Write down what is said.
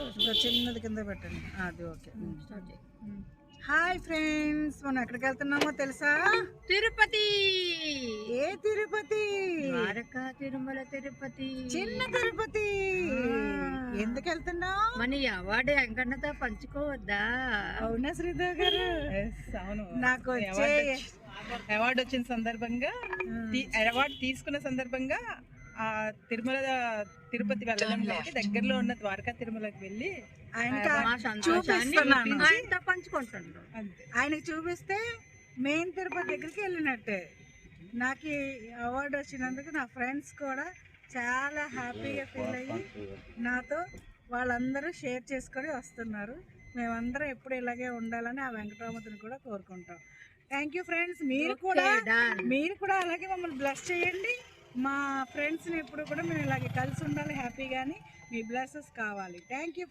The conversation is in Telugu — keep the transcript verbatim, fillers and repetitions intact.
ఇంకా చిన్నది కింద పెట్టండి. అది ఓకే. హాయ్ ఫ్రెండ్స్, మనం ఎక్కడికి వెళ్తున్నామో తెలుసా? తిరుపతి. ఏ తిరుపతి? ద్వారకా తిరుమల తిరుపతి, చిన్న తిరుపతి. ఎందుకు వెళ్తున్నావు? మన అవార్డు వెంకన్నతో పంచుకోవద్దా? అవునా శ్రీధర్ గారు? అవును, నాకు వచ్చే అవార్డు వచ్చిన సందర్భంగా, అవార్డు తీసుకున్న సందర్భంగా ఆ తిరుమల తిరుపతి వెళ్ళడం లేదు, దగ్గరలో ఉన్న ద్వారకా తిరుమలకి వెళ్ళి ఆయనతో పంచుకుంటున్నాడు. ఆయనకి చూపిస్తే మెయిన్ తిరుపతి దగ్గరికి వెళ్ళినట్టే. నాకు ఈ అవార్డు వచ్చినందుకు నా ఫ్రెండ్స్ కూడా చాలా హ్యాపీగా ఫీల్ అయ్యి నాతో వాళ్ళందరూ షేర్ చేసుకొని వస్తున్నారు. మేమందరం ఎప్పుడు ఇలాగే ఉండాలని ఆ వెంకటరామతిని కూడా కోరుకుంటాం. Thank you friends. మీరు కూడా మీరు కూడా అలాగే మమ్మల్ని బ్లెస్ చేయండి. మా ఫ్రెండ్స్ని ఎప్పుడు కూడా మేము ఇలాగే కలిసి ఉండాలి హ్యాపీగాని. మీ బ్లెస్సెస్ కావాలి. Thank you.